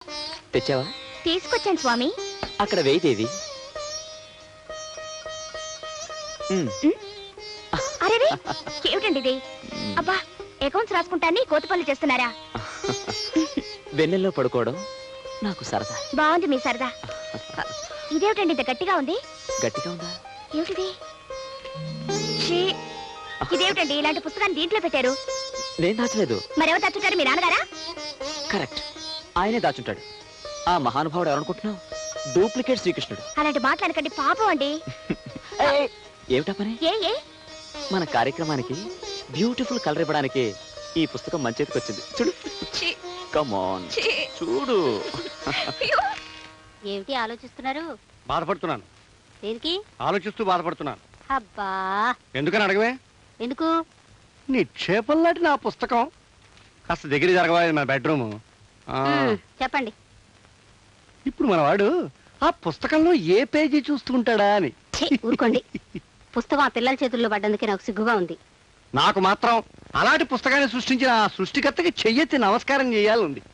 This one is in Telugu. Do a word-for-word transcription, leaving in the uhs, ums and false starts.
తెచ్చావా? తీసుకొచ్చాను స్వామి. అక్కడ వేయిదేవి. అరే ఏమిటండి ఇది? అబ్బా, అకౌంట్స్ రాసుకుంటాన్ని కోతపల్లి చేస్తున్నారా? వెన్నెల్లో పడుకోవడం నాకు సరదా. బాగుంది మీ సరదా. ఇదేమిటండి ఇంత గట్టిగా ఉంది? గట్టిగా ఉందా? ఏమిటిది? ఇదేమిటండి ఇలాంటి పుస్తకాన్ని దీంట్లో పెట్టారు? నేను దాచలేదు. మరెవరు దాచుంటారు? మీ నాన్నగారా? కరెక్ట్, ఆయనే దాచుంటాడు. ఆ మహానుభావుడు ఎవరనుకుంటున్నావు? డూప్లికేట్ శ్రీకృష్ణుడు. అలాంటి మాట్లాడకండి, పాపం అండి. ఏమిటా పని? ఏ ఏ మన కార్యక్రమానికి బ్యూటిఫుల్ కలర్ ఇవ్వడానికి ఈ పుస్తకం మంచి చేతికి వచ్చింది. చూడు, కమ్ ఆన్ చూడు. ఏమిటి ఆలోచిస్తున్నారు? బాధపడుతున్నాను. దేనికి ఆలోచిస్తూ బాధపడుతున్నాను. అబ్బా, ఎందుకని అడగవే? ఎందుకు? నిక్షేపం లాంటి నా పుస్తకం కాస్త దగ్గర జరగవా? మన బెడ్రూమ్. చెప్పండి. ఇప్పుడు మన వాడు ఆ పుస్తకంలో ఏ పేజీ చూస్తుంటాడా అని. ఊరుకోండి. పుస్తకం ఆ పిల్లల చేతుల్లో పడ్డందుకే నాకు సిగ్గుగా ఉంది. నాకు మాత్రం అలాంటి పుస్తకాన్ని సృష్టించిన ఆ సృష్టికర్తకి చెయ్యెత్తి నమస్కారం చేయాలి ఉంది.